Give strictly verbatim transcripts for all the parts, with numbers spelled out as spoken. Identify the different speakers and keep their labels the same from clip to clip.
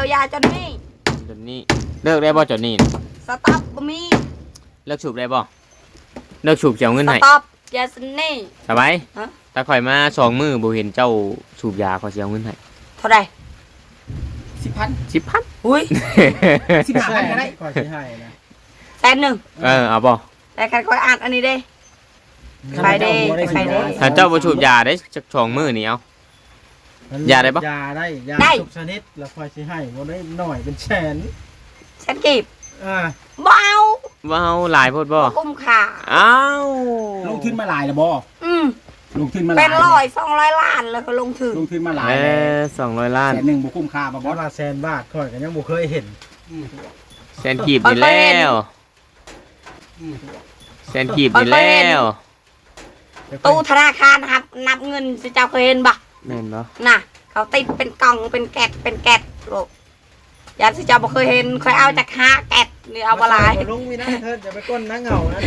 Speaker 1: ยาจนนี่
Speaker 2: จนนี่เลิกได้บ่จนนี่
Speaker 1: สต็อปบ่มี
Speaker 2: เลิกสูบได้บ่เลิกสูบเสียเงินให้
Speaker 1: สต็อปยาสนี่
Speaker 2: สบายถ้าข่อยมาสองมือบ่เห็นเจ้าสูบยาขอเสียเงินให้
Speaker 1: เท่าไหร่
Speaker 3: สิบพัน
Speaker 2: สิบพัน
Speaker 1: อุ้ย
Speaker 3: สิบห้าพันก็ได้ขอสิให้นะ
Speaker 1: แสนหนึ่ง
Speaker 2: เออเอาบ่
Speaker 1: แต่กันค่อยอ่านอันนี้เด้ใครเด้ใครเด้
Speaker 2: ถ้าเจ้าบ่สูบยาได้จักสองมือนี่เอายาได้บ่
Speaker 3: ยาได้ยาทุกชนิดแล้วคอยสิให้บ่ได้หน่อยเป็นแสน
Speaker 1: แสนกีบ
Speaker 3: อ่า
Speaker 1: บ่เอา
Speaker 2: บ่เอาหลายโพดบ่
Speaker 1: คุ้มค่า
Speaker 2: อ้าว
Speaker 3: ลงทุนมาหลายแล้วบ่
Speaker 1: อืม
Speaker 3: ลงทุนมาหลาย
Speaker 1: เป็นร้อยสองร้อยล้านแล้วก็ลงทุน
Speaker 3: ลงทุนมาหลาย
Speaker 2: เออสองร้อยล้าน
Speaker 3: แสนหนึ่งบ่คุ้มค่าบ่บ่ละแสนบาทค่อยก็ยังบ่เคยเห็น
Speaker 2: แสนกีบนี่แล้วแสนกีบนี่แล้ว
Speaker 1: ตู้ธนาคารครับนับเงินสิเจ้าเคยเห็นบ่
Speaker 2: แม่นบ่
Speaker 1: น่ะเขาติดเป็นกล่องเป็นแกะเป็นแกะโลกยามสิเจ้าบ่เคยเห็นเคยเอาจากห้าแกะนี่เอาบ่หลาย
Speaker 3: ลงมีนะเถิดอย่าไปก้นนะเหงานะ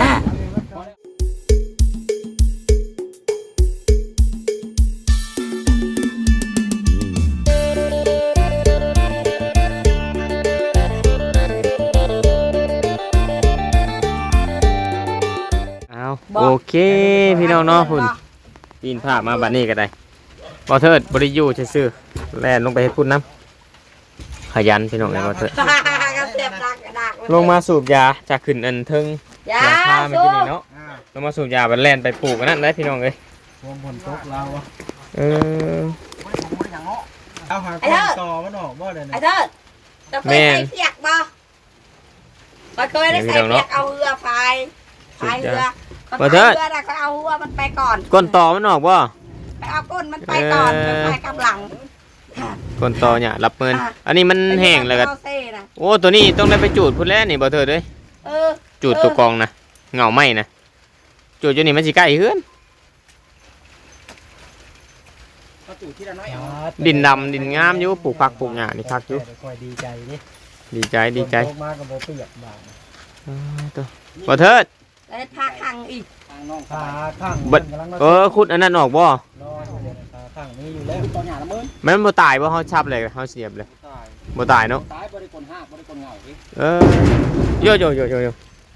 Speaker 2: โอเคพี่น้องเนาะคุณปีนผ้ามาบัดนี้ก็ได้บอเทิดบริยูซื่อแล่นลงไปให้พุ่นน้ำขยันพี่น้องเลยบอเทิดลงมาสูบยาจากขึ้นอันเทิงยาฆ่าไม่กินเนาะลงมาสูบยาบัดแล่นไปปลูกกันนั่นได้พี่น้องเลย
Speaker 3: วงบนโต๊ะเรา
Speaker 2: เออ
Speaker 3: เอาหาคนต่อมันออกบ่เลย
Speaker 1: ไอ้เทิดจะเคยใส่เปียกบ่เราเคยได้ใส่เปียกเอาเรือไฟไฟเรือ
Speaker 2: บอเทิด
Speaker 1: ก็เอาหัวมันไปก่อน
Speaker 2: ก้นต่อมันออกบ่
Speaker 1: ไปเอาก้นมันไปก่อนไปกับหลัง
Speaker 2: ก้นต่อเนี่ยรับเงินอันนี้มันแห้งเลยกันโอ้ตัวนี้ต้องได้ไปจูดพุ่นแล้วนี่บอเทิดเลยจูดตัวกองนะเงาไหมนะจูดอยู่นี่มันสิใกล้เฮือนดินดำดินงามอยู่ปลูกผักปลูกหญ้านี่คักอยู่
Speaker 3: ดีใจนี่
Speaker 2: ดีใจดีใจ
Speaker 3: มากับโบเปียกบา
Speaker 2: ตัวบอเทิด
Speaker 1: ได้พาขังอีก
Speaker 3: พาขัง
Speaker 2: เออขุดอันนั้นออกบ่
Speaker 3: ขังนี่อยู่แล้วตอนหยาละเมิน
Speaker 2: มันบ่ตายบ่เฮาชับเลยเฮาเสียบเลยบ่ตายเนาะ
Speaker 3: ตายบ่ได้คนห้าบ่ได้คนเหงาอี
Speaker 2: เออโยโยโยโยโย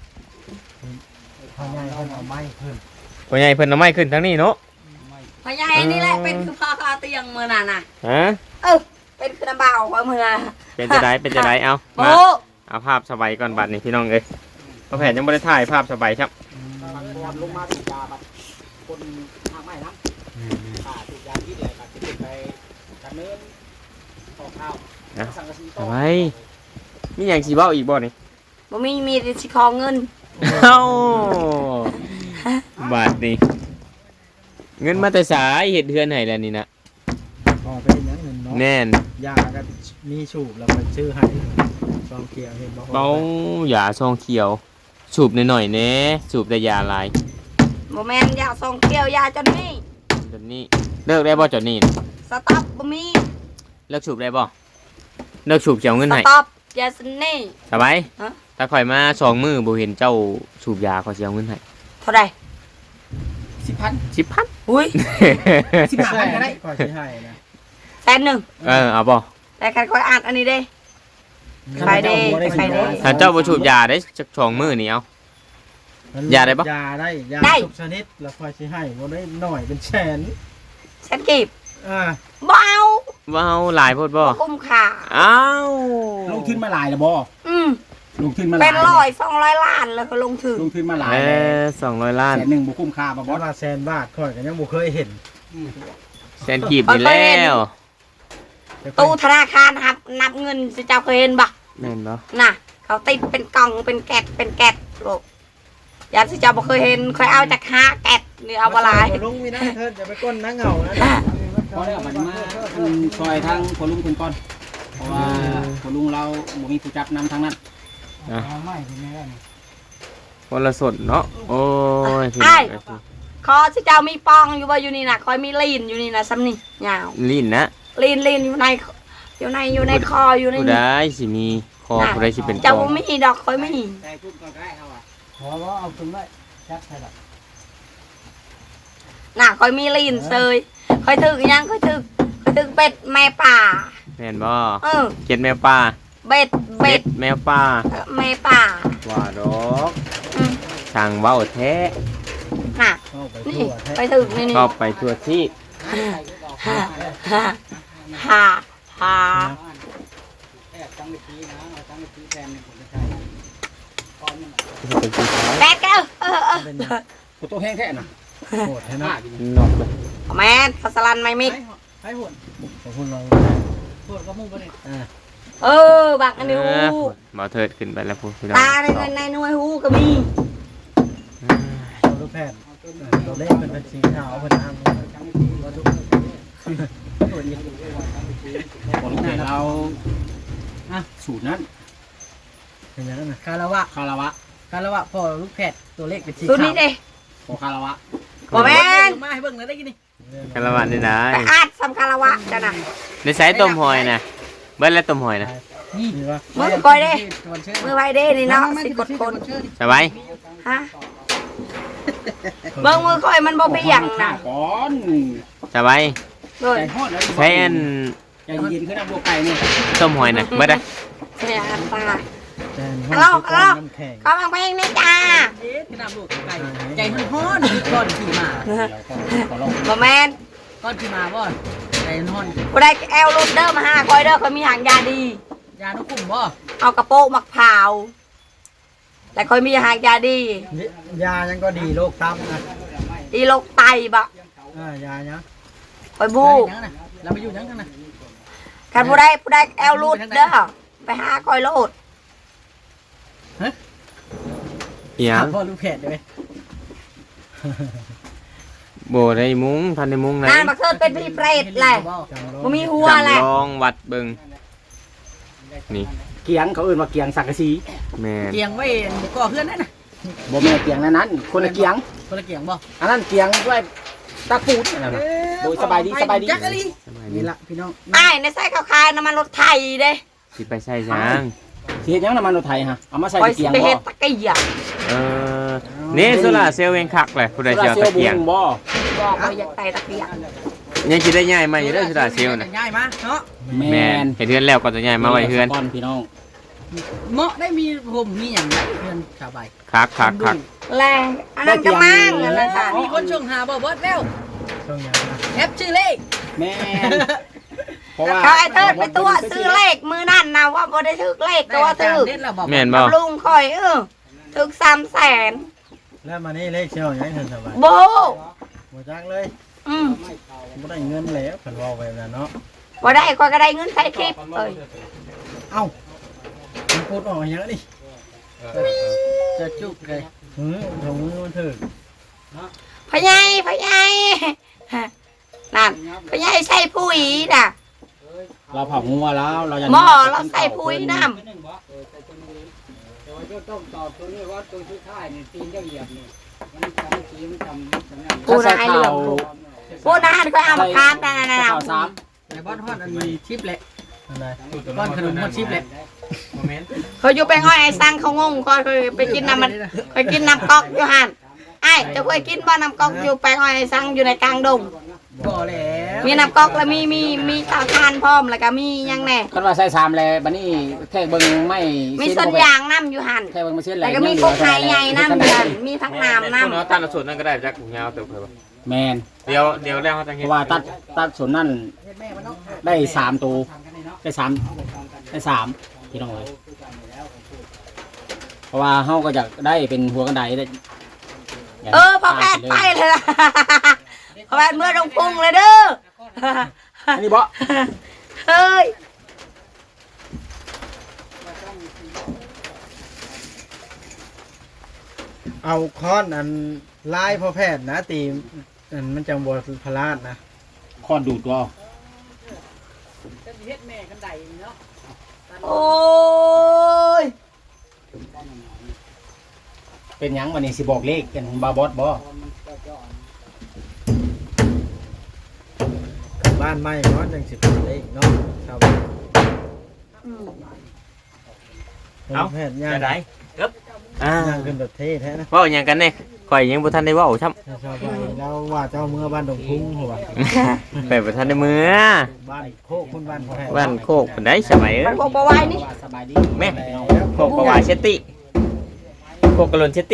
Speaker 3: พ่อใหญ่เพิ่นเอาไม้ขึ้น
Speaker 2: พ่อใหญ่เพิ่นเอาไม้ขึ้นทั้งนี้เนาะ
Speaker 1: พ่อใหญ่นี่แหละเป็นคือพ่อคาเตียงมื้อนั้นน่ะ
Speaker 2: ฮะ
Speaker 1: เออเป็นคือน้ำเบาว่ามื้อน่ะ
Speaker 2: เป็นจะได้เป็นจะได้เอามาเอาภาพสบายก่อนบัดนี้พี่น้องเอ้ยพ่อแผนยังบ่ได้ถ่ายภาพสบายครับ
Speaker 3: ลงมาถูกยาบัดคนทางไม้นะอ่าถูกยาที่ไหนบัดจะไปดำเนินขอข้าว
Speaker 2: สั่งกระสีต่อไปมีอย่างสีเบ้าอีกบ่นี่
Speaker 1: บ่มีมีแต่สิขอเงิน
Speaker 2: เอ้าบาทนี่เงินมาแต่สายเห็ดเฮือนให้แล้วนี่นะ
Speaker 3: พอเป็นอย่างนึงเนาะ
Speaker 2: แน่น
Speaker 3: ยาก็มีสูบแล้วก็ชื่อให้ซองเขียวเห็นบ่
Speaker 2: เบ้ายาซองเขียวสูบหน่อยๆแน่สูบแต่ยาลาย
Speaker 1: โมเมนต์ยาซองเขียวยาจนนี่
Speaker 2: จนนี่เลิกได้บ่จนนี่
Speaker 1: สต็อปบ่มี
Speaker 2: เลิกสูบได้บ่เลิกสูบเสียเงินให้
Speaker 1: สต็อปยาสนี่
Speaker 2: สบายถ้าข่อยมาสองมือบ่เห็นเจ้าสูบยาขอเสียเงินให้
Speaker 1: เท่าไหร่
Speaker 3: สิบพัน
Speaker 2: สิบพัน
Speaker 1: อุ้ย
Speaker 3: สิบห้าพันก็ได้ขอสิให้นะ
Speaker 1: แสนหนึ่ง
Speaker 2: เออเอาบ่
Speaker 1: แต่กันค่อยอ่านอันนี้เด้ใครเด้ใครเด้
Speaker 2: ถ้าเจ้าบ่สูบยาได้จักสองมือนี่เอายาได้ปะ
Speaker 3: ยาได้ยาทุกชนิดแล้วคอยสิให้บ่ได้หน่อยเป็นแสน
Speaker 1: แสนกีบ
Speaker 3: อ่า
Speaker 1: บ่เอา
Speaker 2: บ่เอาหลายโพดบ่
Speaker 1: คุ้มค่า
Speaker 2: อ้าว
Speaker 3: ลงทุนมาหลายแล้วบ่
Speaker 1: อืม
Speaker 3: ลงทุนมาหลาย
Speaker 1: เป็นร้อยสองร้อยล้านแล้วก็ลงทุน
Speaker 3: ลงทุนมาหลาย
Speaker 2: เออสองร้อยล้าน
Speaker 3: แสนหนึ่งบ่คุ้มค่าบ่บ่ละแสนบาทค่อยก็ยังบ่เคยเห็น
Speaker 2: แสนกีบนี่แล้ว
Speaker 1: ตู้ธนาคารครับนับเงินสิเจ้าเคยเห็นบ่
Speaker 2: แม่นบ่
Speaker 1: น่ะเขาติดเป็นกล่องเป็นแกะเป็นแกะโลกยามสิเจ้าบ่เคยเห็นเคยเอาจากห้าแกะนี่เอาบ่หลาย
Speaker 3: ลงมีนะเถิดอย่าไปก้นนะเหงานะพอแล้วบัดมาซอยทางพ่อลุงเพิ่นก่อนเพราะว่าพ่อลุงเราบ่มีผู้จับนำทางนั้น
Speaker 2: อ่ะคนละสดเนาะโอ้ย
Speaker 1: ไอ้คอสิเจ้ามีปองอยู่บ่อยู่นี่น่ะคอยมีลีนอยู่นี่น่ะซ้ำนี่ยาว
Speaker 2: ลีนนะ
Speaker 1: ลีนลีนอยู่ในอยู่ในอยู่ในคออยู่ใน
Speaker 2: ผู้ใดสิมีคอผู้ใดสิเป็น
Speaker 1: เจ้าบ่มีดอกคอยมี
Speaker 3: แต่พูดก็ได้เฮาอ่ะขอว่าเอาขึ้นไว้จับให้ดอก
Speaker 1: น่ะคอยมีลีนเซยคอยถึกยังคอยถึกคอยถึกเป็ดแม่ป่า
Speaker 2: แม่นบ่
Speaker 1: เออ
Speaker 2: เจ็ดแมวป่า
Speaker 1: เบ็ดเบ็ด
Speaker 2: แมวป่า
Speaker 1: เอ่อแม่ป่า
Speaker 2: ว่าดอก
Speaker 1: อืม
Speaker 2: ช่างเว้าแท้
Speaker 1: น่ะ
Speaker 4: เข้าไป
Speaker 1: นี่
Speaker 4: ทั่วแท้
Speaker 1: ไปถึงนี่นี่
Speaker 2: ชอบไปทั่วที่
Speaker 1: ฮ่าฮ่าฮ่าฮ่า
Speaker 3: แอบตั้งวิธีนะเอาตั้งวิธีแทนผมจะใช้ก้อนนึง
Speaker 2: เป็นสีขาว
Speaker 1: แบกเออเออเออ
Speaker 3: กูตัวแห้งแท้น่ะ
Speaker 4: โหดให้นะ
Speaker 2: นอกเลย
Speaker 1: แม่นเขาสลันไม่มิก
Speaker 3: ให้หุ่น
Speaker 4: ขอบคุณเรา
Speaker 3: หุ่นก็มุ่งไปนี่
Speaker 4: อ่า
Speaker 1: เออบักอันนี้หู
Speaker 2: บ่เถิดขึ้นไปแล้วพูดพี่น้อง
Speaker 1: ตาในในในหน่วยหูก็มี
Speaker 4: เราลูกแพทย์เราเล่นเป็นเป็นสีขาวเป็นทาง
Speaker 3: ผมให้เราอ่ะสูตรนั้น
Speaker 4: เป็นอย่างนั้นนะ
Speaker 5: คาราวะ
Speaker 3: คาราวะ
Speaker 5: คาราวะพ่อลูกแพทย์ตัวเลขเป็นสี
Speaker 1: ตัว
Speaker 5: ขา
Speaker 1: นี้
Speaker 5: ว
Speaker 1: เด้
Speaker 3: โอคาราวะ
Speaker 1: บ่แม่น
Speaker 5: มาให้เบิ่งหน่อยได้กินนี่
Speaker 2: คาราวะนี่ได้
Speaker 1: ไปอาดสำคารวะจ้ะน่ะ
Speaker 2: ในสายต้มหอยนะเบิ้ลแล้วต้มหอยนะ
Speaker 4: นี่ดีวะ
Speaker 1: มือก่อยเด้
Speaker 5: วันเชิญ
Speaker 1: มือไว้เด้นี่เนาะสิกดคน
Speaker 2: สบาย
Speaker 1: ฮะเบิ่งมือก่อยมันบ่เปียงน่ะ
Speaker 3: ก่อน
Speaker 2: สบาย
Speaker 1: เบิ่ง
Speaker 3: ใจฮอดแล้ว
Speaker 2: ใช้อัน
Speaker 3: ใจเย็นขึ้นน้ำบัวไก่นี่
Speaker 2: ต้มหอยนะเบิ้ลได้
Speaker 1: เสียตา
Speaker 4: แจนห้องก้อนน้ำแข็ง
Speaker 1: ก็มังเพลงนี่จ้า
Speaker 5: เอ๊ะที่น้ำลูกไก่ใจฮ้อนๆก้อนขี่มา
Speaker 3: ขอลอง
Speaker 1: บ่แม่น
Speaker 5: ก้อนขี่มาบ่ใจฮ้อน
Speaker 1: ผู้ใดแอลรูดเด้อมาหาคอยเด้อเขามีหางยาดี
Speaker 5: ยานุกุ่มบ่
Speaker 1: เอากระโปงมักพร้าวแต่คอยมีหางยาดี
Speaker 4: ยายังก็ดีโรคตับนะ
Speaker 1: ดีโรคไตบ่
Speaker 4: อ่ายาเนี้ย
Speaker 1: คอยบู
Speaker 5: ยังนะเราไปอยู่ยังกันนะ
Speaker 1: คันผู้ใดผู้ใดแอลรูดเด้อไปหาคอยโลด
Speaker 2: เอียง
Speaker 5: พ่อลูกแพทย์ได้ไหม
Speaker 2: โบได้มุ้งทันได้มุ้งไหน
Speaker 1: นานบักเทิดเป็นพี่เปรตแหละ
Speaker 4: จำโรค
Speaker 1: บ่มีหัวแหละ
Speaker 2: จำลองวัดเบิงนี่
Speaker 3: เกียงเขาเอื่นว่าเกียงสังกะสี
Speaker 2: แม่น
Speaker 5: เกียงไว้ก่อเพื่อนนั่นน่ะ
Speaker 3: บ่แม่เกียงนั้นนั้นคนละเกียง
Speaker 5: คนละเกียงบ่
Speaker 3: อันนั้นเกียงด้วยตะปูดนั่นน่ะโดยสบายดีสบายดี
Speaker 5: จักกะลี
Speaker 2: สบายดี
Speaker 5: นี่ละพี่น้อง
Speaker 1: อ้ายในไส้ขาวคายน้ำมันรถไทยเด้
Speaker 2: สิไปใส่ช้าง
Speaker 3: สิเฮ็ดหยังน้ำมันรถไทยฮะเอามาใส่
Speaker 1: คอย
Speaker 3: เกี
Speaker 1: สิ
Speaker 3: ยง
Speaker 1: ไป
Speaker 3: บ่
Speaker 1: เฮ็ดตะเกียบ
Speaker 2: เออนี่โซล่าร์เซลล์เองคักเลยผู้ใดเชียวตะเกียง
Speaker 3: บ่
Speaker 1: บอกคอยอยากไตตะเกียบ
Speaker 2: ยังคิดได้ง่ายมาอยู่เด้อโซล่าร์เซลล์นะ
Speaker 5: ง่ายมาเนาะ
Speaker 3: แม
Speaker 2: แม่น
Speaker 3: น
Speaker 2: เห็นเฮือนแล้วก็จะง่ายมาไว้เฮือน
Speaker 3: ก่อนพี่น้อง
Speaker 5: เหมาะได้มีผมมีอย่างไรเพื่อนชาวใบ
Speaker 2: คักคักคัก
Speaker 1: แรงอันนั้นก็มั่งอันนั้นค่ะ
Speaker 5: มีคนชงหาบ่เบิดแล้ว
Speaker 4: ช่วงยานะ
Speaker 5: แอปชื่อเลข
Speaker 3: แม่นเพราะว่า
Speaker 1: เขาไอ้เทิดไปตัวซื้อเลขมือนั่นนะว่าบ่ได้ถือเลขก็ว่าถือ
Speaker 5: เด็ดแล้วบ่
Speaker 2: แม่นบ่
Speaker 1: กับลุงคอยเออถึกสามแสน
Speaker 4: แล้วมานี่เลขเชี่ยวยังเห็นสบาย
Speaker 1: โบ
Speaker 4: หมดจักเลย
Speaker 1: อืม
Speaker 4: ไม่ได้เงินแล้วผันว่าไปแล้วเนาะ
Speaker 1: บ่ได้คอยก็ได้เงินใช้ทิปเอ้ย
Speaker 4: เอ้ามันพูดออกอย่างนี้
Speaker 5: จะจุกเลย
Speaker 4: หืมถุงมันถือ
Speaker 1: พะไยพะไยนั่นพะไยใส่ปุ๋ยน่ะ
Speaker 3: เราเผางัวแล้วเรายัง
Speaker 1: หม้อเราใส่ปุ๋ยน้
Speaker 3: ต้องตอบตัวนี้ว่าตัวสุดท้ายนี่ตีนเจ้าเหยียบนี่มันจำสีมันจำจำนั่น
Speaker 1: ำปูนายเหลืองปูนายก็เอามาคามนั่นนั่นนั่น
Speaker 3: ข่าวสาม
Speaker 5: ในบ้านฮอดอันนี้ชิปแหละ
Speaker 4: อะไร
Speaker 5: บ้านขนมฮอดชิปแหละ
Speaker 1: เขาอยู่ไปห้อยไอ้สังเขางงคอยเคยไปกินน้ำมันเคยกินน้ำก๊อกอยู่หันไอ้จะเคยกินบ่น้ำก๊อกอยู่ไปห้อยไอ้สังอยู่ในกลางดง
Speaker 5: บ่แล้ว
Speaker 1: มีน้ำก๊อกแล้วมีมีมีเตาถ่านพร้อมแล้วก็มีหยังแน่
Speaker 3: คันว่าใส่สามแล้วบัดนี้แค่เบิ่งไม่
Speaker 1: มีส่วนยางน้ำอยู่หัน
Speaker 3: แค่เบิ่งมาเส้นแห
Speaker 1: แต่
Speaker 3: ละ
Speaker 1: ก็มีพวกไข่ใหญ่น้ำอยู่หันมีทั้งน้ำน้
Speaker 2: เนาะตัดสูตรนั่นก็ได้จักยาวเติบเพิ่น
Speaker 3: แมน
Speaker 2: เดี๋ยวเดี๋ยวแล้วเขาจะ
Speaker 3: เพ
Speaker 2: เฮ็ด
Speaker 3: ราะว่าตัดตัดส่วนนั่นได้สามตัวได้สามได้สามพี่น้องเลยเพราะว่าเฮาก็อยากได้เป็นหัวกันไดได้
Speaker 1: ำเออพอแพทย์ไปเลยนะพอแพทย์เมื่อลงพุงเลยเด้อ
Speaker 3: อันนี้บ่
Speaker 1: เฮ้ย
Speaker 4: เอาค้อนอันลายพ่อแพทย์นะตีอันมันจังบวพลาดนะ
Speaker 3: คอนดูดตัว
Speaker 5: เฮ็ดแม่กันไดเนาะ
Speaker 1: โอ้ย
Speaker 3: เป็นหยังวันนี้สิบอกเลขกันบาบอสบ่
Speaker 4: บ้านไม้เนาะจังสิบเลขเนาะครับ
Speaker 1: อืม
Speaker 4: พ่อแพทย์ย่าง
Speaker 2: จะได้เอ๊บอ่า
Speaker 4: นั่งขึ้นแบบเท่แท้นะ
Speaker 2: เว้าหยังกันแน่ข่อยยังบ่ทันได้เว้าซ้ำ
Speaker 4: ชาวบ้านแล้วว่าเจ้าเมื่อบ้านดงพุ่งหัว
Speaker 2: ไปบ่ทันได้มื้อ
Speaker 4: บ้านโคกคุณบ้านพ่อแพทย์
Speaker 2: บ้านโคกเพิ่นได้สบายเอ้
Speaker 1: มั
Speaker 2: ย
Speaker 1: นพวกบ่ไหวนี่
Speaker 3: สบายดี
Speaker 2: แม่โคกประวาเชตติโคกกะลนเชตติ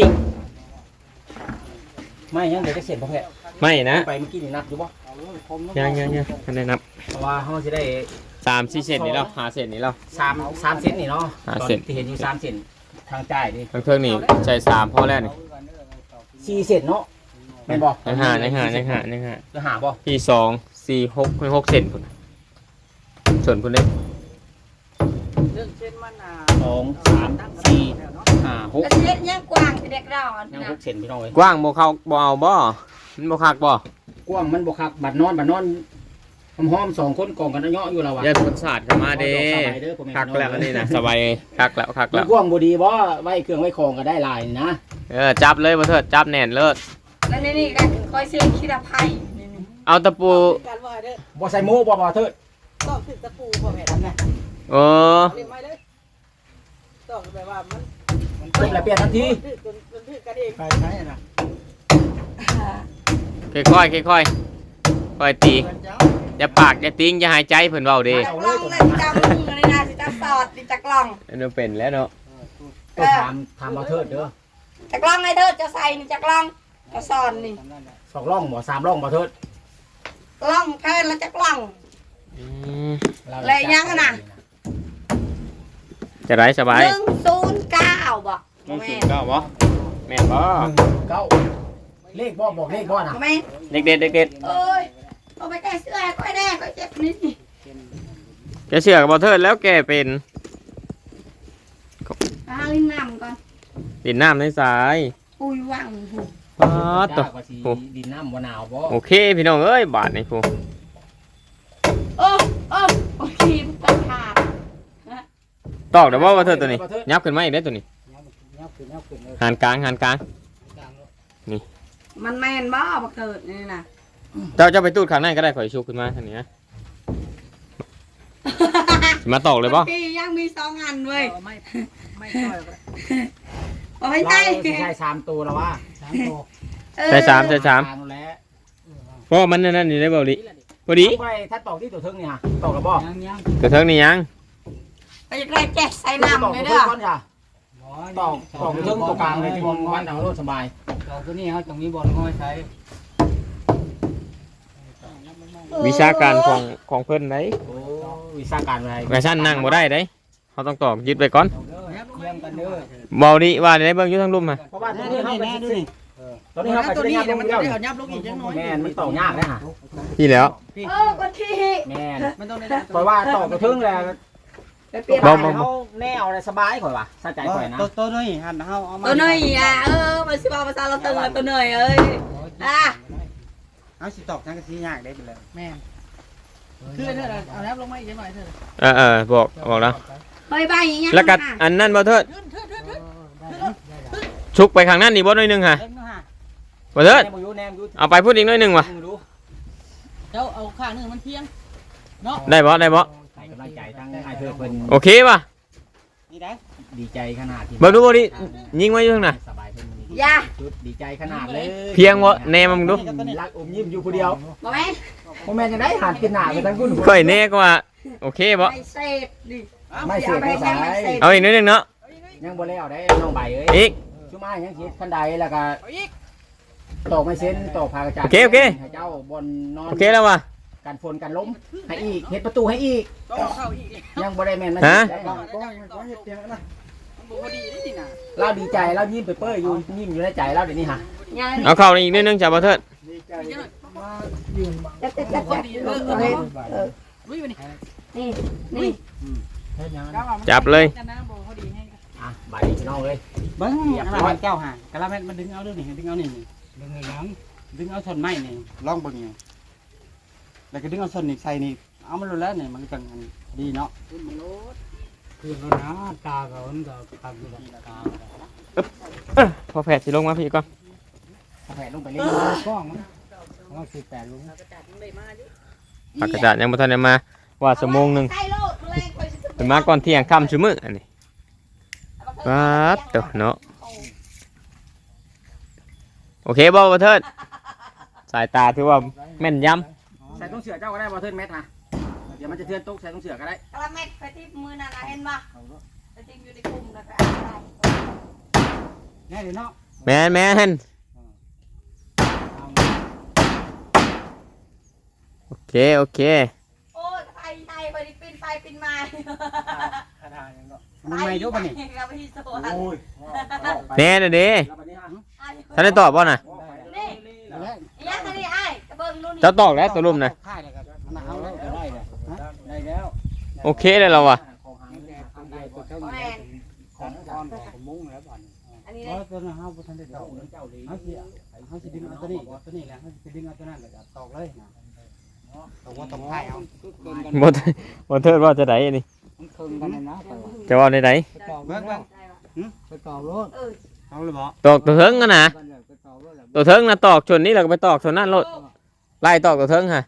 Speaker 3: ไม่ยังเดี๋ยวจะเสร็จบ่แพ้
Speaker 2: ไม่นะ
Speaker 3: ไปเมื่อกี้นี่นับอยู่บ่
Speaker 2: ยังยังยังทันได้นับ
Speaker 3: เพราะว่าเฮาสิได้
Speaker 2: สามสี่เซนนี่แล้วห้าเซนนี่แล้ว
Speaker 3: สามสามเซนนี่เนาะ
Speaker 2: ห้า
Speaker 3: ตอน
Speaker 2: เซน
Speaker 3: ที่เห็นอยู่สามเซนทางจ่ายดิ
Speaker 2: ทางเครื่องนี่ใช้สามพอแล้วนี่
Speaker 3: สี่เซนเนาะแม่นบ่
Speaker 2: ยังห้ายังห้ายังห้ายังห้า
Speaker 3: จะหาบ่
Speaker 2: พี่สองสี่หกหกเซนพุ่นส่วนพุ่นเล็ก
Speaker 5: เรื่องเช่นมันอ่ะ
Speaker 3: สองสามสี่ห้าหก
Speaker 1: แล้วสิเฮ็ดยังกว้างสิเด็กเราอัน
Speaker 3: ยัง
Speaker 1: นะ
Speaker 3: หกเซนพี่น้องเอ้ย
Speaker 2: กว้างบ่เข้าบ่เอาบ่มันบ่คักบ่
Speaker 3: กว้างมันบ่คักบัดนอนบัดนอนหอมๆสองคนกองกันเนาะอยู่แล้วว่ะ
Speaker 2: อย่าสนสาดเข้ามาเด้
Speaker 3: สบายเด้อพ่อแม่
Speaker 2: คักแล้วอันนี้นะสบายคักแล้วคัก
Speaker 3: แล้
Speaker 2: แล้ว ว
Speaker 3: กว้างบ่ดีบ่ไว้เครื่องไว้ของก็ได้หลายนะ
Speaker 2: เออจับเลยบ่เถิดจับแน่นเลิศ
Speaker 1: แล้วนี่นี่ก็คอยเสียงคิดอภัยนี่นี่
Speaker 2: เอาตะปู
Speaker 5: การว่าเด้อ
Speaker 3: บ่ใส่หมูบ่บ่เถิด
Speaker 5: ต้องถึงตะปูพ่อแม่ทำไง
Speaker 2: โอ้
Speaker 5: เรียกไม่เลยต้องแบบว่ามัน
Speaker 3: จบแล้วเปลี่ยนทันที
Speaker 5: ถือจนจนถือกันเอง
Speaker 4: ไปใช้นะ
Speaker 2: ค่อยๆค่อยๆค่อยตีอย่าปากอย่าติ้งอย่าหายใจเพิ่นเว้าเด้
Speaker 1: จักล่องเลยสิจักมึงอันนี้นะสิจักสอดสิจักล่อง
Speaker 2: อันนั้นเป็นแล้วเนาะ
Speaker 3: เออถามถามเอาเถิดเด้อ
Speaker 1: จักล่องไอ้เด้อจะใส่นี่จักล่องจะสอนนี่
Speaker 3: สองร่องบ่สามร่องบ่เถิด
Speaker 1: ล่องแค่ละจักล่อง
Speaker 2: อืม
Speaker 1: เลยยังอะน่ะ
Speaker 2: จะได้สบาย
Speaker 1: หนึ่งศูนย์เก้าบ่
Speaker 2: ต้อง
Speaker 1: แม่
Speaker 2: สูงเก้าบ่แม่นบ่
Speaker 3: เก้าเลขบ่บอกเลขบ่น่ะ
Speaker 1: แม่
Speaker 2: เด็กเด็ดเด็กเด็ด
Speaker 1: เอ้ยเอาไปแก้เสื้อให้ก้อยแน่ก้อยเจ็บนี่
Speaker 2: แกเชื่อกับบ่เทิดแล้วแกเป็น
Speaker 1: หาลิ้นน้ำก่อน
Speaker 2: ดินน้ำในสาย
Speaker 1: ปุยวังหู
Speaker 2: ป๊าดต
Speaker 3: จ้าว่าสิดินน้ำบ่หนาวบ่
Speaker 2: โอเคพี่น้องเอ้ยบาทนี่พู
Speaker 1: โอ้โอ้โอ้ทีมตัดขาด
Speaker 2: ตอกเดี๋ยวว่าว่าเทิดตัวนี้ยับขึ้นมาอีกได้อตัวนี้
Speaker 3: ยับขึ้นยับขึ้นเลย
Speaker 2: หันกลางหันกลาง
Speaker 1: มันแมนบ่บักเกิดนี่นะ
Speaker 2: เจ้าเจ้าไปตูดข้างในก็ได้ข่อยชูขึ้นมาทางนี้นะสิมาตอกเลยบ่
Speaker 1: พี่ยังมีสองอันเว้ย
Speaker 5: ไม่ไม่ค่อย
Speaker 1: เอาไป
Speaker 3: เรา
Speaker 1: ใส่
Speaker 3: สิใช้สามตัวแล้วว่าสามตัว
Speaker 2: ใส่สามใส่สาม
Speaker 3: ทางแล้ว
Speaker 2: เพราะว่ามันนั่นนี่ได้บ่ดิพอดี
Speaker 3: ไปถ้าตอกที่ตัวเทิงนี่ฮะตอกกับบ่
Speaker 5: ยังยัง
Speaker 2: ตัวเทิงนี่ยัง
Speaker 1: ไปจะได้แจ๊ใส่น้ำเลย
Speaker 3: เด้
Speaker 1: เด้อ
Speaker 3: ก่อนค่ะตอกตอกตัวเทิงตัวกลางเลยที่มันวันเอารถสบาย
Speaker 5: เราตัวนี้เขาจะมีบอลง่อยใช้
Speaker 2: วิชาการของของเพิ่นได้
Speaker 3: โอ้วิชาการอะไร
Speaker 2: กระชั้นนั่งบ่ได้ได้เขาต้องตอกยึดไปก่อน
Speaker 3: เยี่ยมกันเด้อ
Speaker 2: เบาดิว่าได้เบิ่งอยู่ทั้งลุ่มฮะ
Speaker 3: เพราะว่าตอน
Speaker 5: นี่
Speaker 3: นี้
Speaker 5: นี่
Speaker 3: เขา
Speaker 5: นี่ดูนี่
Speaker 3: ตอนนี้เขาไป
Speaker 5: ตัว
Speaker 3: ที่
Speaker 5: นี้
Speaker 3: งาน
Speaker 5: เดี๋ยวมัน
Speaker 3: เดี
Speaker 5: จะ
Speaker 3: ยว
Speaker 5: ได้เอายับลงอีกจังน้อย
Speaker 3: แม่นมันตอกยากเลยฮะ
Speaker 2: ที่แล้ว
Speaker 1: เออก็ที่
Speaker 3: แม่น
Speaker 5: มันต้องได้
Speaker 3: เพราะว่าตอกตัวเทิงแล้ว
Speaker 1: ไปเปลี่ยน
Speaker 2: บ่
Speaker 3: เขาแนวอะไรสบายข่อยว่ะสะใจข่อยนะ
Speaker 5: ตัวตัวนี้หันเขาเอามา
Speaker 1: ตัวเนยอ่ะเออมันสิบอกภาษาเราตึงอ่ะตัวเนยเอ้ยอ่ะ
Speaker 5: เอาสิตอกทั้งกะทิยากได้ไปเลยแม่คือเธอเอาแล้วลงมาอีกจังหน่อยเธอ
Speaker 2: เออเออบอกบอกแล้ว
Speaker 1: เฮ้ยใบอย่างเงี้ย
Speaker 2: แล้วก็อันนั้นบ่เทิดชุกไปข้างนั้นนี่บ่หน่อยหนึงฮะ
Speaker 5: เล่นนะฮะ
Speaker 2: บ่เทิด
Speaker 3: แนมอยู่แนมอยู่
Speaker 2: เอาไปพูดอีกหน่อยหนึงว่ะ
Speaker 3: มึงดู
Speaker 5: เจ้าเอาข้างนึงมันเพียงเนาะ
Speaker 2: ได้บ่ได้บ่
Speaker 3: ให้กำลังใจทั้งไอ้เธอเพิ่น
Speaker 2: โอเคป่ะ
Speaker 5: นี่ได้
Speaker 3: ดีใจขนาดที่
Speaker 2: เบิ่งดูบ่ดิยิงไว้อยู่ข้างหน้า
Speaker 3: สบายเพิ่น
Speaker 1: อย่า
Speaker 3: จุดดีใจขนาดเลย
Speaker 2: เพียงบ่แนมมึงดู
Speaker 3: รักอมยิ้มอยู่ผู้เดียว
Speaker 1: บอกไหม
Speaker 3: พ่อแม่จะได้หาดกินหน้าไปทั้งคุณ
Speaker 2: ค่อยแน่ก็ว่าโอเคบ่
Speaker 1: ไม่เสพดิ
Speaker 3: ไม่เสียไม่สาย
Speaker 2: เอาอีกหน่อยหนึงเนาะ
Speaker 3: ยังบ่แล้วได้น้องใบเอ้ย
Speaker 2: อีก
Speaker 3: ชุมายังคิดคันใดแล้วก็ตอกไม่เส้นตอกพากระจาด
Speaker 2: โอเคโอเค
Speaker 3: ให้เจ้าบนนอน
Speaker 2: โอเคแล้วว่ะ
Speaker 3: กันฝนกันล้มให้อีกเฮ็ดประตูให้อีก
Speaker 5: ต้องเข้าอีก
Speaker 3: ยังบ่ได้แม่นนะ
Speaker 2: ฮะ
Speaker 3: ได้
Speaker 5: ก็ก็เฮ็ดเตียงนะมันบ่พอดีได้นี่นะ
Speaker 3: เราดีใจเรายิ้มไปเปื้อยอยู่ยิ้มอยู่ในใจเราเดี๋ยวนี้ฮะ
Speaker 1: ยัง
Speaker 2: เอาเข้าอีกหน่อยหนึงจ้ะบ่เทิด
Speaker 4: ดีใจ
Speaker 5: มา
Speaker 4: ยืน
Speaker 1: จะจะจะจะเออเออ
Speaker 5: ลุยไปนี่
Speaker 1: นี่นี่
Speaker 4: เฮ็ดหยัง
Speaker 2: จับเลย
Speaker 5: กันนะบ่พอดีให้
Speaker 3: อ่ะใบพี่น้องเลย
Speaker 5: เบิ้งกะลาแก้วห่างกะลาแม่มันดึงเอาเรื่องนี้ดึงเอานี่นี่ดึงเอาหยังดึงเอาส่วนไม้นี่ลองเบิ่งไงแล้วก็ดึงเอาส่วนนี่ใส่นี่เอามันรู้แล้วนี่มันจังดีเนาะคือมันนะตาก็มันก็ทำอยู่ตา
Speaker 2: เออพอแผดสิลงมาพี่ก่อน
Speaker 3: แผ่ลงไปเลย
Speaker 5: กล้องมันมันสิบแปดลุง
Speaker 2: ผักกระจาดยังบ่ทันได้มาว่าชั่วโมงหนึง
Speaker 1: ใส่โลดเลยคอยสิ
Speaker 2: เป็นมาก่อนเที่ยงค่ำซุมื้ออันนี้ป๊าดเด้อเนาะ
Speaker 1: โอ้
Speaker 2: โอเคบ่บ่เทิดสายตาถือว่าแม่นย
Speaker 3: ใส่ต้องเสือเจ้าก็ได้บ่เทินแมทฮะเดี๋ยวมันจะเทือนตกใส่ต้องเสือก็ได้
Speaker 1: กระเม็ดไปที่มือนั่นนะเห็นปะไปทิ้งอยู่ในกลุ่มแล้วก็
Speaker 5: แน่เลยเนาะ
Speaker 2: ำแม่นแม่นโอเคโอเค
Speaker 1: โอ้ยไทยไทยไปดิปินไปปินมา
Speaker 5: มันไม่รู้ป่ะนี่
Speaker 1: เราไปที่สวน
Speaker 3: โอ้ย
Speaker 2: แน่น่ะเด้
Speaker 3: แล้วบัดนี้ฮะ
Speaker 2: ท่านได้ตอบบ่น่ะ
Speaker 1: นี่ยังไงนี่ไอ้กระเบื้องนู่นนี่
Speaker 2: เจ้าตอกแล้วตัวลุ่มน่ะ
Speaker 5: ค่ายเลยครับมันเอาแล้วได้เลยได้แล้ว
Speaker 2: โอเคเลยเราอ่ะ
Speaker 5: ของหางทำได้ตัวเท่า
Speaker 1: แม
Speaker 5: นี้
Speaker 1: น
Speaker 5: ของก้อนของมุ้งแล้วบ่อน
Speaker 1: อันนี้
Speaker 5: เพ
Speaker 1: เลย
Speaker 5: ราะตัวนั้นเฮาบ่ทันได้ตอกเจ้าดีเฮาสิเฮาสิดึงเอาตัวนี้ตัวนี้แหละเฮาสิดึงเอาตัวนั้นแล้วก็ตอกเลยนะตอกว่าตอกค่ายเอา
Speaker 2: บ่บ่เทิดว่าจะไดอันนี้
Speaker 5: มันเคิงกันนะไปว่า
Speaker 2: จะว่าในได
Speaker 5: ไปตอกเบิ่งเบิ่งไปตอกรถ
Speaker 1: เออ
Speaker 5: เอาเลยบ่
Speaker 2: ตอกตัวเทิงกันน่ะ
Speaker 5: ไปตอกรถแล้ว
Speaker 2: ตัวเทิงน่ะตอกชนนี้แล้วก็ไปตอกชนนั่นโลดไล่ตอกตัวเทิงฮะ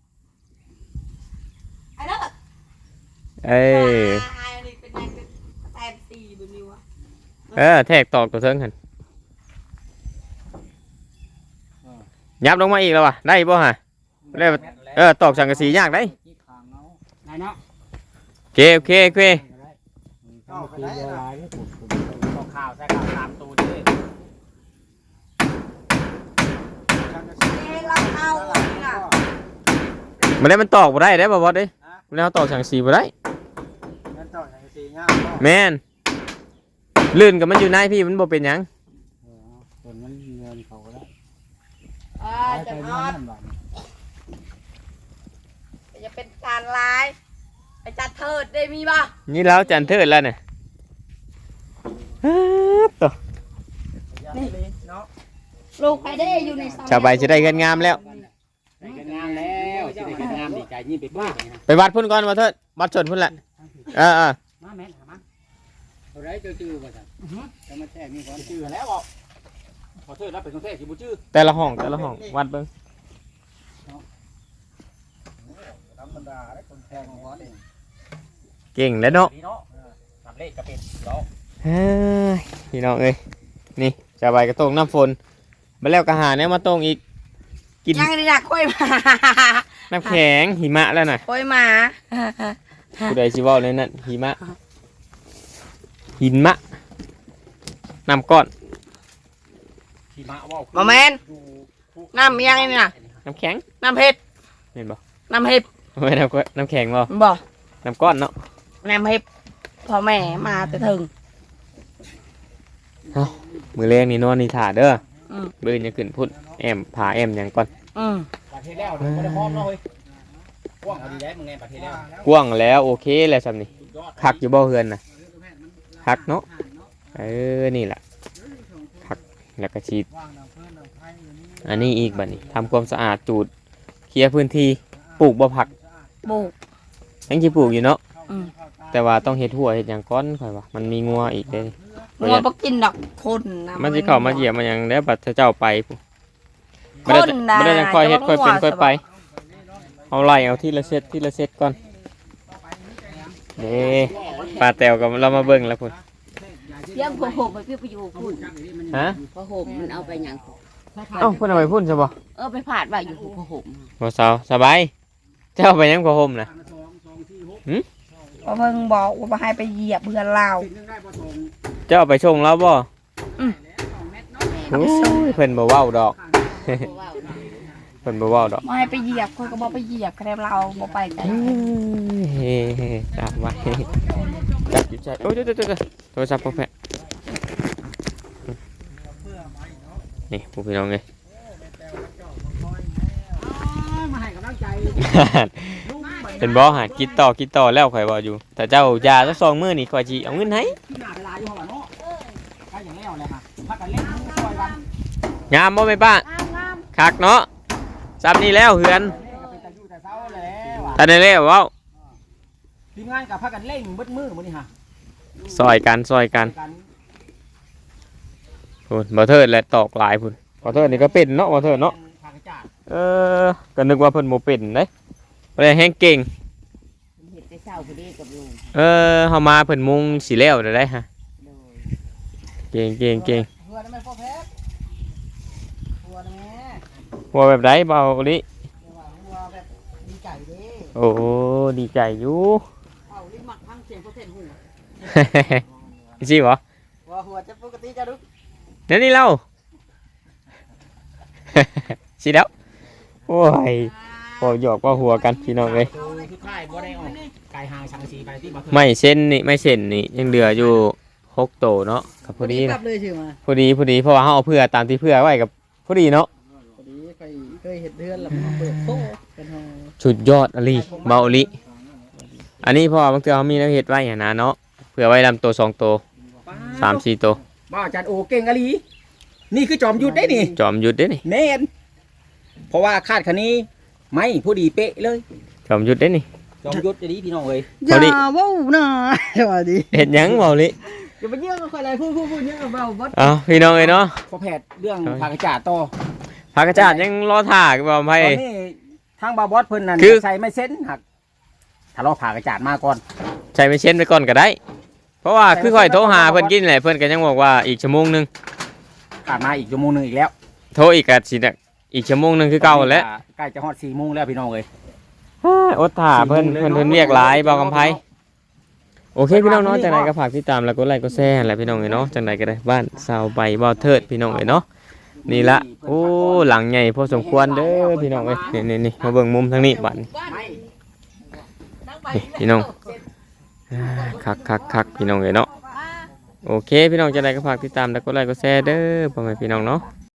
Speaker 1: ไอ้เด้อ
Speaker 2: เอ้ย
Speaker 1: ไอ้นี่เป็นนายเป็นแต้มตีบนนิ้วอะ
Speaker 2: เออแทกตอกตัวเทิงหั่นยับลงมาอีกแล้วว่ะได้บ่ฮะได้บ่เออตอกสังกะสียากได้
Speaker 5: ได้เนาะ
Speaker 2: โอเคโอเคโอเค
Speaker 5: ตอกได้ตอกข่าวใส่ข่าวตามตูดิ
Speaker 1: เอ้ยเราเอาอันนี้น่ะ
Speaker 2: มันได้มันตอกบ่ได้ได้บ่บอสเด้มันได้เอาตอกสังกะสีบ่ได้
Speaker 4: งั้นต่ออย่างสีเงา
Speaker 2: แม่นลื่นกับมันอยู่ในพี่มันบ่เป็นหยัง
Speaker 5: ส่วนมันเงินเขาก็ได้
Speaker 1: เออจะนอนจะเป็นการลายไอ้จัดเถิดได้มีป่ะ
Speaker 2: นี่แล้วจันเทิดแล้วเนี่ยฮึบตัว
Speaker 4: เนาะ
Speaker 1: ลูกใครได้อยู่ใน
Speaker 2: ชาวใบจะได้เงินงามแล้ว
Speaker 3: ได้กันงามแล้วสิได้กันงามดีใจยิ่งไปบ้านะ
Speaker 2: ไปวัดพุ่นก่อนมาเถิดวัดชนพุ่นแหละเออเออ
Speaker 5: มาแม่หามา
Speaker 3: เอาได้เจ้าชื่อบ่ซั่น
Speaker 5: จะมาแท้มีความ
Speaker 3: ชื่อแล้วบ่ขอโทษรับเป็นคนแท้สิบ่ชื่อ
Speaker 2: แต่ละห้องแต่ละห้องวัดเบิ่ง
Speaker 4: ธรรมดาได้คนแทงของวัดเอง
Speaker 2: เก่งแล้วเนาะ
Speaker 3: นี่เนาะทำเลขก็เป็นเนาะ
Speaker 2: เฮ้ยพี่น้องเอ้ยนี่ชาวใบกระตงน้ำฝนมาแล้วกระหาเนี่ยมาตรงอีกกิน
Speaker 1: ยังนี่นะกล้วยหมา
Speaker 2: น้ำแข็งหิมะแล้วน่ะ
Speaker 1: กล้วยหมา
Speaker 2: ผู้ใดชิเว่าเลยนั่นหิมะหินมะน้ำก้อน
Speaker 3: ที่มาเว้า
Speaker 1: โมเมนน้ำยังนี่นะ
Speaker 2: น้ำแข็ง
Speaker 1: น้ำเห็ด
Speaker 2: เห็นบ่
Speaker 1: น้ำเห็ด
Speaker 2: ไม่น้ำก้อนน้ำแข็งบ่
Speaker 1: บ่
Speaker 2: น้ำก้อนเนาะ
Speaker 1: น้ำเห็ดพ่อแม่มาแต่ถึง
Speaker 2: มือเลี้ยงนี่นอนนี่ถ่าเด้อ
Speaker 1: อืม
Speaker 2: เบิ่งจะขึ้นพุ่นแอมผ่าแอมหยังก่อน
Speaker 1: อืม
Speaker 3: ประเทศแล้วบ่ได้พร้อมเนาะเฮ้ยกว้างเอาดีได้มึงไงประเทศแล้ว
Speaker 2: กว้างแล้วโอเคแล้วซ้ำนี่
Speaker 3: สุดยอด
Speaker 2: คักอยู่บ่เฮือนน่ะคักเนาะเออนี่แหละคักแล้วก็ฉีด
Speaker 4: ว่างน้ำเพื่อนน้ำไผ่อยู่นี่
Speaker 2: อันนี้อีกบัดนี้ทำความสะอาดจูดเคลียร์พื้นที่ปลูกบ่ผัก
Speaker 1: ปลูก
Speaker 2: ยังสิปลูกอยู่เนาะ
Speaker 1: อืม
Speaker 2: แต่ว่าต้องเฮ็ดหัวเฮ็ดหยังก่อนค่อยว่ามันมีงัวอีกเด้
Speaker 1: งัวบ่กินดอกคนนะ
Speaker 2: มันสิเข้ามาเหยียบมันหยังแล้วบัดเจ้าไปพุ่น
Speaker 1: ค
Speaker 2: บ่ได้
Speaker 1: นนะ
Speaker 2: บ่ได้จังค่อยเฮ็ดค่อยเป็น
Speaker 1: จะ
Speaker 2: ค่อย
Speaker 1: ว่า
Speaker 2: ไป เอาไล่เอาทีละเซตทีละเซตก่อนเด้ป้าแตวก็เรามาเบิ่งแล้วพุ่น
Speaker 6: เลี้ยงพอห่มไปพี่ไปอยู่พุ่น
Speaker 2: ฮะ
Speaker 6: พอห่มมันเอาไปหยัง
Speaker 2: เอ้าเพิ่นเอาไปพุ่นใช่บ่
Speaker 6: เออไปผาดว่าอยู่พอห่ม
Speaker 2: บ่สาวสบายเจ้าไปยังก็ห่มน่ะ
Speaker 1: เพราะเพิ่งบอกว่าบ่ให้ไปเหยียบเพื่อนเรา
Speaker 2: เจ้าเอาไปชงแล้วบ่
Speaker 1: อืม
Speaker 2: โอ้ยเพิ่นบ่เว้าดอก
Speaker 6: เพราะว่า
Speaker 2: เพิ่นบ่เว้าดอก
Speaker 1: บ่ให้ไปเหยียบคนก็บ่ไปเหยียบแค่เราบ่ไปกัน
Speaker 2: เฮ้จับไว้จับอยู่ใจโอ้ยเดี๋ยวๆๆโทรศัพท์พ่อแพะนี่พวกพี่น้องเอ้ย
Speaker 3: มาให้กำลังใจ
Speaker 2: เป็นบ่หากินต่อกินต่อแล้วข่อยว่าอยู่แต่เจ้ายาสักสองมื้อนี่ข่อยสิเอาเงินให้
Speaker 3: ที่หน้าเวลาอยู่หั่นเนาะใกล้อย่างแล้วเลยฮะพักกันเล่นมือซอยกัน
Speaker 2: งามบ่แม่ป้าคักเนาะซ้ำนี่แล้วเฮือน
Speaker 3: ก็เป็นตาอยู่แต่เช้าแล้วอ่ะ
Speaker 2: ทันได้แล้วเว้า
Speaker 3: ทีมงานกับพักกันเล่นเบิดมือมื้อนี้ฮะ
Speaker 2: ซอยกันซอยกัน
Speaker 3: กัน
Speaker 2: พุ่นบ่เทิดและตอกหลายพุ่นบ่เทิดนี่ก็เป็นเนาะบ่เทิดเนาะ
Speaker 3: ทางกระจาด
Speaker 2: เออก็นึกว่าเพิ่นบ่เป็นเด้บ่ได้แฮงเก่ง
Speaker 6: เห็ดแต่เช้าพอดีกับลุง
Speaker 2: เออเฮามาเพิ่นมุงสิแล้วได้ฮะ
Speaker 6: โดย
Speaker 2: เก่งเก่งเก่ง
Speaker 3: เพื่อนไม่พอแพ้
Speaker 2: หัวแบบไรเบาลิ
Speaker 5: หัวแบบดีใจเด้
Speaker 2: โอ้ดีใจอยู่
Speaker 5: เอาลิ้นหมักพังเสียงเขาเส้นหู
Speaker 2: จริงเหรอ
Speaker 5: หัวหัวจะปกติจะดุ
Speaker 2: นั่นนี่เรา สิแล้วโอ้ยพอหยอกก็หัวกันพี่น้องเลย
Speaker 3: คือค่ายบ่ได้ออกไก่หางชังสีไปที่บ่เถิด
Speaker 2: ไม่เส้นนี่ไม่เส้นนี่ยังเหลืออยู่หกโตเนาะกับพอดี
Speaker 5: กลั
Speaker 2: นะ
Speaker 5: บเลยชื่อมา
Speaker 2: พอดีพอดีเพราะว่าเขาเอาเพื่อตามที่เพื่อไว้กับพอดีเนาะ
Speaker 5: พอดีเคยเคยเห็นเดือนแล้วมันเปิดโซ่เป็นห้อง
Speaker 2: สุดยอดอลีเบาอลีอันนี้เพราะว่อบางเทีเขามีน้ำเห็ดไว้อย่างนั้นเนาะเผื่อไว้ลำตัวสองตัวสามสี่ตัว
Speaker 3: บ้าอาจารย์โอเก่งอะลีนี่คือจอมยุทธได้นี่
Speaker 2: จอมหยุดเด้นี่
Speaker 3: แม่นเพราะว่าคาดคันนี้ไม่ผู้ดีเป๊ะเลย
Speaker 2: จอมหยุดเด้นี่
Speaker 3: จอมยุทธจะดีพี่น้องเอ้ย
Speaker 2: พอดี
Speaker 5: อย่าว้าวนะสวัสดี
Speaker 2: เห็ดหยังเบาอลี
Speaker 5: อย่าไปเยี่ยมกับใครเลยพูดพูดพูดเยอะกับเราบัด
Speaker 2: เอ้าพี่น้องเอ้ยเนาะ
Speaker 3: พอแพทย์เรื่องผากระจาดต่อ
Speaker 2: พากระจาดยังรอถ่ากับเบาไพ่
Speaker 3: ตอนนี้ทางบาบอสเพิ่นนั่น
Speaker 2: คือ
Speaker 3: ใส่ไม่เส้นหักถ้าเราผ่ากระจาดมาก่อน
Speaker 2: ใช้ไปเช่นไปก่อนก็ได้ เพราะว่าคือค่อยโทรหาเพิ่นกินแหละเพิ่นก็ยังบอกว่าอีกชั่วโมงหนึง
Speaker 3: ผ่านมาอีกชั่วโมงหนึงอีกแล้ว
Speaker 2: โทรอีกก็สิน่ะอีกชั่วโมงหนึงคือเก่าแล้ว
Speaker 3: ใกล้จะฮอดสี่โมงแล้วพี่น้องเอ้ย
Speaker 2: อดถ่าเพิ่นเพิ่นเพิ่นเรียกหลายเบากำไพโอเคพี่น้องเนาะจังไดก็ฝากติดตามแล้วก็ไลค์ก็แชร์แหละพี่น้องเอ้ยเนาะจังไดก็ได้บ้านสาวใบบ่าวเทิดพี่น้องเอ้ยเนาะนี่ละโอ้หลังใหญ่พอสมควรเด้อพี่น้องเอ้ยนี่นี่ๆมาเบิ่งมุมทางนี้บัดนี้ นี่พี่น้องอ่าคักคักคักพี่น้องเลยเนาะโอเคพี่น้องจะได้ก็ฝากติดตามแล้วก็ไลค์ก็แชร์เด้อพ่อแม่พี่น้องเนาะ